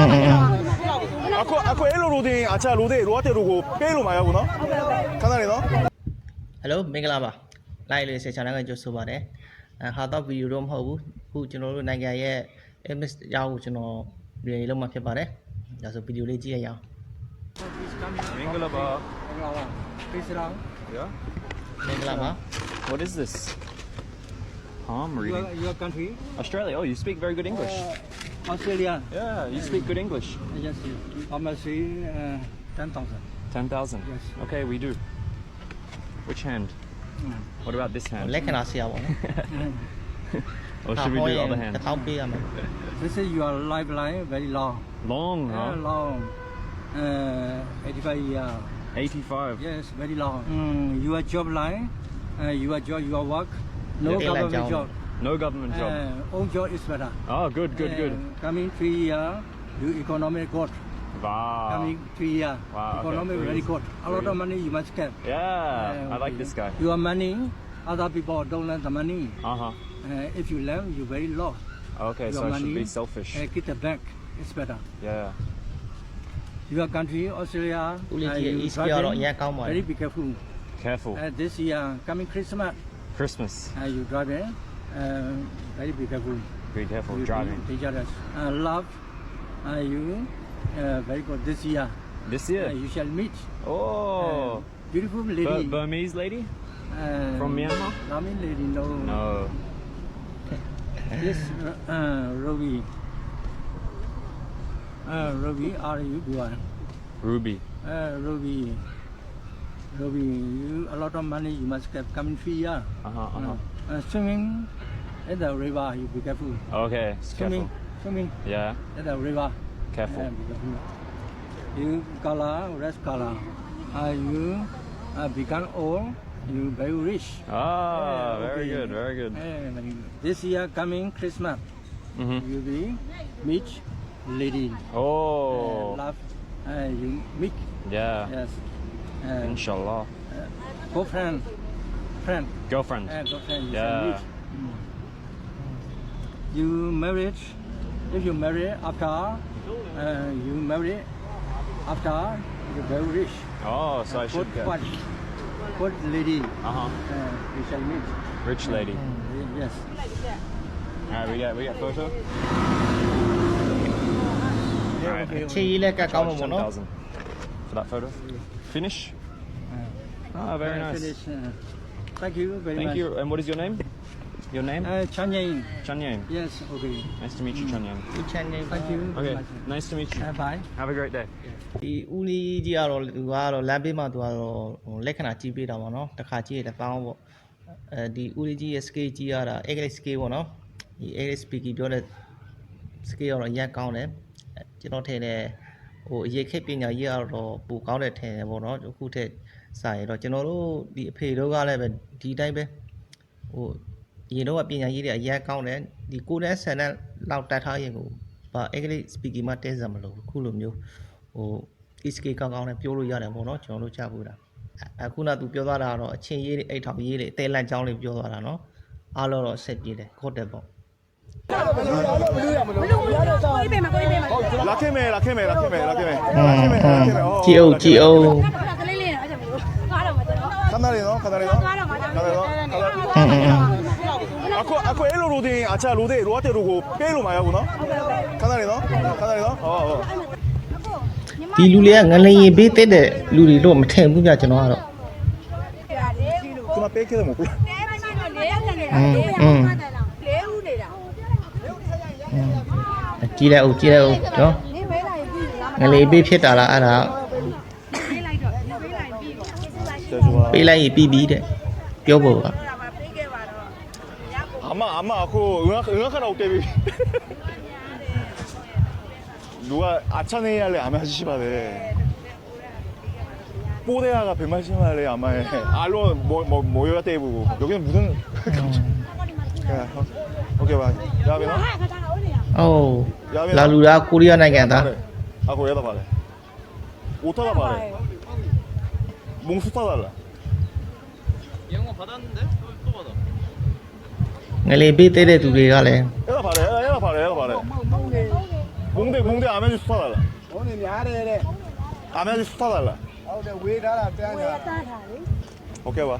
Ako elo roading acha roading roate rogo pelo maya ko no. Kanari no. Hello မင်္ဂလာပါ live လေးဆက်ချင်တဲ့ကြိုဆိုပါတယ်ဟာတော့ဗီဒီယိုတော့မဟုတ်ဘူးအခုကျွန်တော်တို့နိုင်ငံရဲ့ MS အကြောင်းကိုကျွန်တော်ရေလုံးမှာဖြစ်ပါတယ်ဒါဆိုဗီဒီယိုလေးကြည့်ရအောင်မင်္ဂလာပါ Peace around. Yeah. မင်္ဂလာပါ What is this? I'm reading. Your country? Australia. Oh, you speak very good English. Australia. Yeah, you speak good English. Yes. How much? 10,000. 10,000. Yes. Okay, we do. Which hand? What about this hand? လက္ခဏာဆရာပေါ့နော် Or should we do the other hand? တစ်ထောင်ပေးရမယ် This is your lifeline, very long. Long, huh? Long. 85 years. 85. Yes, very long. Your job line, your work, no Yeah. government job. No government job. Own job is better. Oh, good. Coming 3 years, you economic good. Wow. Coming 3 years, Wow, okay. economic very good. A lot of money you must get. Yeah, I like this guy. Your money, other people don't lend the money. Uh-huh. If you lend, you very lost. Okay, Your so I money, should be selfish. Get the bank, it's better. Yeah. Your country, Australia, ဦးလေးကြီး East ကတော့အရင်ကောင်းပါတ very ယ် be careful. Careful. This year, coming Christmas, Christmas. you driving, very be careful. Be careful You driving. dangerous. Love, you very good this year. This year? You shall meet Oh. beautiful lady. Burmese lady? From Myanmar? Burmese lady, no. No. This Ruby. Ruby, are you good? Ruby. Ruby, you a lot of money you must get coming 3 years. Swimming in the river, you be careful. Okay, Swimming Yeah, in the river. careful. Be careful. You color, red color. You become old, you very rich. Ah, very good. Very good. This year coming Christmas, you be meet lady. Oh, Love, you meet. yeah. Yes. Inshallah. Girlfriend. Girlfriend. Girlfriend. You Yeah. can meet. You married. If you marry after, you marry after you very rich. Oh, so I should Good get. wife. Good lady. Uh-huh. You shall meet. Rich lady. Yes. All right, we get photo. All right. ခြေရည်လက်ကကောင်းမှာပေါ့နော် 10,000 for that photo. Finish. Ah, very nice. Finish. Thank you very Thank much. you. And what is your name? Your name? Chanyain. Chanyan. Yes. Okay. Nice to meet you, Chanyan. ဒီ channel Thank you. Okay, very much. nice to meet you. Bye. Have a great day. ဒီဦးလေးကြီးကတော့သူကတော့လမ်းဘေးမှာသူကတော့လက္ခဏာကြီးပေးတာပေါ့နော်တစ်ခါကြည့်ရတဲ့ပေါင်းပေါ့ဒီဦးလေးကြီးရဲ့ scale ကြီးရတာ English scale ပေါ့နော်ဒီ English speaking ပြောတဲ့ scale ကတော့အရင်ကောင်းတယ်ကျွန်တော်ထင်တယ်ဟိုအရေးခိတ်ပညာရေးကတော့ပိုကောင်းတဲ့ထင်တယ်ပေါ့နော်အခုထက်စာရင်တော့ကျွန်တော်တို့ဒီအဖေတို့ကလည်းပဲဒီတိုင်းပဲဟိုရင်တော့ပညာရေးတွေအရင်ကောင်းတယ်ဒီကိုယ်နဲ့ဆန်တဲ့လောက်တက်ထားရင်ကိုဘာ English speaking မှာတဲစံမလို့ခုလိုမျိုးဟို ESK ကောင်းကောင်းနဲ့ပြောလို့ရတယ်ပေါ့နော်ကျွန်တော်တို့ကြားဖို့တာအခုနကသူပြောသွားတာကတော့အချင်းရေးတွေအိတ်ထောင်ရေးတွေအသေးလန့်ချောင်းလေးပြောသွားတာနော်အားလုံးတော့ဆက်ပြေးတယ်ခေါ်တယ်ပေါ့လာခဲ့မယ်ကြည့်အောင်ခဏလေးနော်Ako elo roading acha roading roate rogo pelo maya ko no. Kanari no. Oh. ဒီလူလေးကငလျင်ပေးတဲ့လူတွေတော့မထင်ဘူးပြကျွန်တော်ကတော့ Kuma peke mo kula. ကြည့်လိုက်အောင်နော်ငလျင်ပေးဖြစ်တာလားအဲ့ဒါပေးလိုက်ရင်ပြီးပြီတဲ့ပြောဖို့က Ama ako 응악하라고 때비. 누가 아차네야래 아마 하시바래. 뽀대야가 180만래 아마에 알로 모여야 때부고 여기는 무슨 오케이 봐. 야베 너. အိုးလာလူသားကိုရီးယားနိုင်ငံသား ako yada bare. 오타다 bare. 몽수 타달라. 영어 받았는데 또 받아. ငလျင်ပေးတဲ့သူတွေကလည်း 얘가 bare. 몽 몽대 아메지 수타 달라. 오늘 야래래. 아메지 수타 달라. 어제 왜 달아 짠다. 오케이 봐.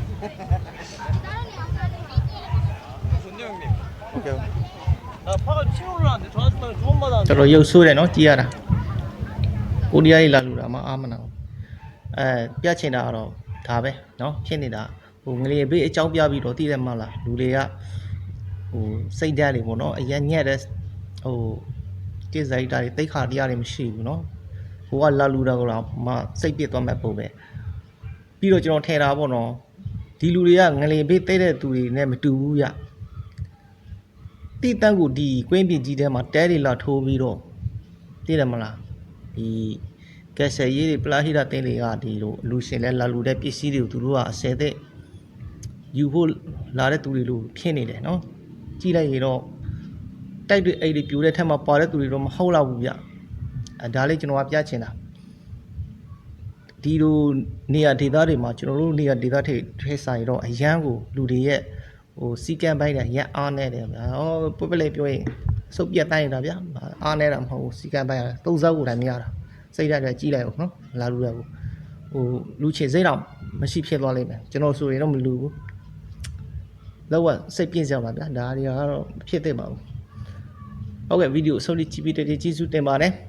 좋네요 형님. 오케이. 나 파가 치러 올라왔는데 전화 주면 두번 받았는데. တော်တော်ရုပ်ဆိုးတယ်နော်ကြည်ရတာကိုရီးယားကြီးလာလူတာမှအားမနာဘူးပြတ်ချင်တာကတော့ဒါပဲနော်ဖြစ်နေတာဟိုငလေဘေးအကြောင်းပြပြီးတော့တည်တယ်မလားလူတွေကဟိုစိတ်ဓာတ်တွေပေါ့နော်အရင်ညက်တဲ့ဟိုတိဇိုက်တာတွေတိတ်ခါတရားတွေမရှိဘူးနော်ဟိုကလာလူတာကတော့မှစိတ်ပြစ်သွားမဲ့ပုံပဲပြီးတော့ကျွန်တော်ထင်တာပေါ့နော်ဒီလူတွေကငလေဘေးတိတ်တဲ့သူတွေနဲ့မတူဘူးရတိတန်းကိုဒီကွင်းပြင်ကြီးထဲမှာတဲတွေလာထိုးပြီးတော့သိတယ်မလားဒီကက်ဆယ်ရေးတွေပလာဟီတာတင်းတွေကဒီလိုလူရှင်လဲလာလူတဲ့ပစ္စည်းတွေကိုသူတို့ကအစဲတဲ့ယူဖို့လာတဲ့သူတွေလို့ဖြစ်နေတယ်နော်ကြည့်လိုက်ရင်တော့တိုက်တွေအိတ်တွေပြိုတဲ့ထက်မှာပါတဲ့သူတွေတော့မဟုတ်တော့ဘူးဗျဒါလေးကျွန်တော်ကပြချင်တာဒီလိုနေရာဒေသတွေမှာကျွန်တော်တို့နေရာဒေသထဲဆိုင်တော့အရန်ကိုလူတွေရဲ့ဟိုစီကံပိုင်းတယ်ရက်အားနေတယ်ဗျာဟောပပလေးပြောရင်စုပ်ပြတ်တိုင်းနေတာဗျာအားနေတာမဟုတ်ဘူးစီကံပိုင်းရတယ်သုံးစားကိုတိုင်းမရတာစိတ်ဓာတ်တွေကြီးလိုက်အောင်နော်လာလူရကိုဟိုလူချေစိတ်တော့မရှိဖြစ်သွားလိမ့်မယ်ကျွန်တော်ဆိုရင်တော့မလူဘူးလောကစိတ်ပြင်းစရာပါဗျာဒါတွေကတော့ဖြစ်သင့်ပါဘူးဟုတ်ကဲ့ဗီဒီယိုအဆုံးထိကြည့်ပြီးတဲ့ကျေးဇူးတင်ပါတယ်